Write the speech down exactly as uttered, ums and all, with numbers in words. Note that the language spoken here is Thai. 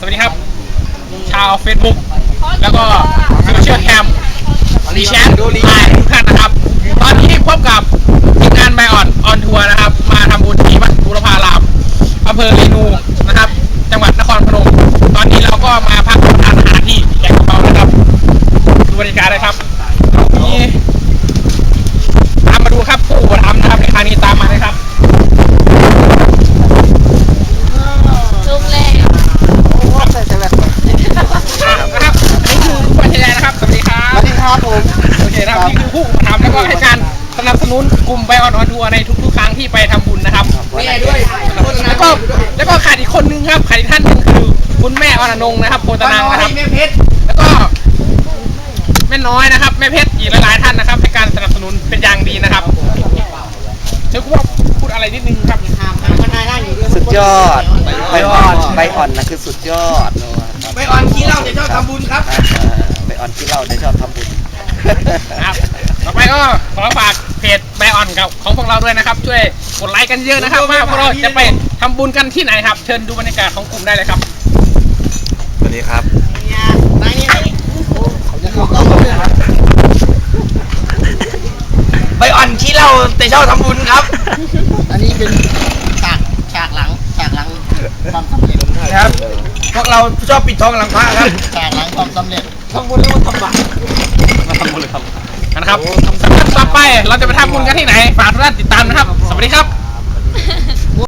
สวัสดีครับชาว Facebook แล้วก็โซเชียลแคมรีแชทไลน์ทุกท่านนะครับ ตอนนี้พบกับทีมงานไบออนออนทัวร์นะครับ มาทำบุญที่วัดบูรพารามอำเภอเรนูนะครับ จังหวัดนครพนมตอนนี้เราก็มาพักทานอาหารที่แกงกระเป๋านะครับดูบรรยากาศเลยครับนี่ตามมาดูครับผู้อุปถัมภ์นะครับในครั้งนี้ตามมาเลยครับลุงเล่นะครับนี่คือผู้บริหารนะครับสวัสดีครับสวัสดีครับผมโอเคนะครับนี่คือผู้อุปถัมภ์แล้วก็ให้การสนับสนุนกลุ่มไบออนออนทัวร์ในทุกๆครั้งที่ไปทำบุญนะครับแม่ด้วยแล้วก็แล้วก็ขาดอีกคนนึงครับขาดอีกท่านหนึงคือคุณแม่อรนงนะครับโพตนังนะครับแม่เพชรแล้วก็แม่น้อยนะครับแม่เพชรอีกหลายๆท่านนะครับให้การสนับสนุนเป็นอย่างดีนะครับเดี๋ยวกูว่าพูดอะไรนิดนึงครับสุดยอดใบอ่อนใบอ่อนนะคือสุดยอดใบอ่อนขี้เหล้าจะชอบทำบุญครับใบอ่อนขี้เหล้าจะชอบทำบุญนะครับต่อไปก็ขอฝากเพจไบออนกับของพวกเราด้วยนะครับ ช่วยกดไลค์กันเยอะนะครับว่าพวกเราจะไปทำบุญกันที่ไหนครับเชิญดูบรรยากาศของกลุ่มได้เลยครับสวัสดีครับใบอ่อนขี้เหล้าแต่ชอบทำบุญครับอันนี้เป็นฉากฉากหลังฉากหลังความสำเร็จครับ พวกเราชอบปิดทองหลังพระครับฉากหลังความสำเร็จทำบุญแล้วทำบาปมาทำบุญเลยครับนะครับสำหรับต่อไปเราจะไปทำบุญกันที่ไหนฝากทุกท่านติดตามนะครับ สวัสดีครับ